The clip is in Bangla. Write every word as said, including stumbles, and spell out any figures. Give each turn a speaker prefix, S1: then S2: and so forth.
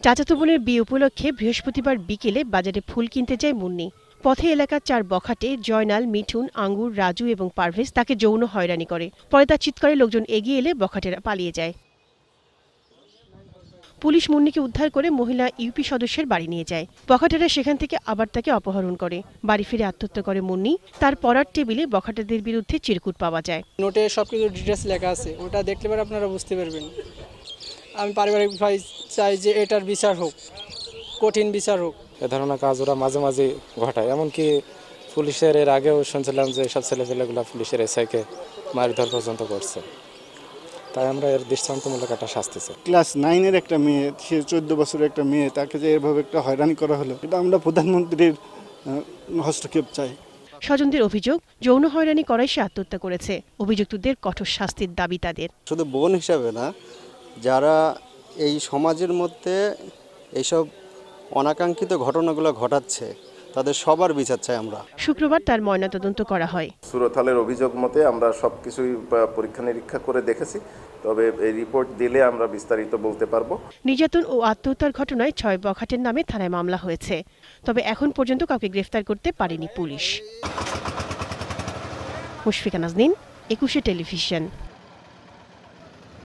S1: চাচাতো বোনের বিয়ে উপলক্ষে বৃহস্পতিবার বিকেলে বাজারে ফুল কিনতে যায় মুন্নি। পথে এলাকার চার বখাটে জয়নাল, মিঠুন, আঙ্গুর, রাজু এবং পারভেজ তাকে যৌন হয়রানি করে। পরে তার চিৎকারে লোকজন এগিয়ে এলে বখাটেরা পালিয়ে যায়। পুলিশ মুন্নিকে উদ্ধার করে মহিলা ইউপি সদস্যের বাড়ি নিয়ে যায়। বখাটেরা সেখান থেকে আবার তাকে অপহরণ করে। বাড়ি ফিরে আত্মহত্যা করে মুন্নি। তার পড়ার টেবিলে বখাটেদের বিরুদ্ধে চিরকুট পাওয়া যায়।
S2: নোটে সবকিছু ডিটেলস লেখা আছে, ওটা দেখলে পরে আপনারা বুঝতে পারবেন। আমি পারিবারিক ভাই চাই যে এটার বিচার হোক, কঠিন বিচার হোক।
S3: এ ধরনের কাজ ওরা মাঝে মাঝে ঘটায়। এমনকি পুলিশের এর আগেও শুনছিলাম যে সব ছেলেপেলেগুলো পুলিশের এসআইকে মারধর পর্যন্ত করছে। তাই আমরা এর দৃষ্টান্তমূলক একটা শাস্তি চাই।
S4: ক্লাস নাইনের একটা মেয়ে, সে চোদ্দ বছরের একটা মেয়ে, তাকে যে এভাবে একটা হয়রানি করা হলো, এটা আমরা প্রধানমন্ত্রীর হস্তক্ষেপ চাই।
S1: স্বজনদের অভিযোগ, যৌন হয়রানি করায় সে আত্মহত্যা করেছে। অভিযুক্তদের কঠোর শাস্তির দাবি তাদের।
S5: শুধু বোন হিসাবে না, যারা এই সমাজের মধ্যে এইসব অনাকাঙ্ক্ষিত ঘটনাগুলো ঘটাচ্ছে তাদের সবার বিচার চাই আমরা।
S1: শুক্রবার তার ময়নাতদন্ত করা হয়।
S6: সুরতহালের অভিযোগ মতে আমরা সবকিছুই পরীক্ষা নিরীক্ষা করে দেখেছি, তবে এই রিপোর্ট দিলে আমরা বিস্তারিত বলতে পারবো।
S1: নির্যাতন ও আত্মহত্যার ঘটনায় ছয় বখাটের নামে থানায় মামলা হয়েছে। তবে এখন পর্যন্ত কাউকে গ্রেফতার করতে পারেনি পুলিশ। মুশফিকা নাজনীন, একুশে টেলিভিশন।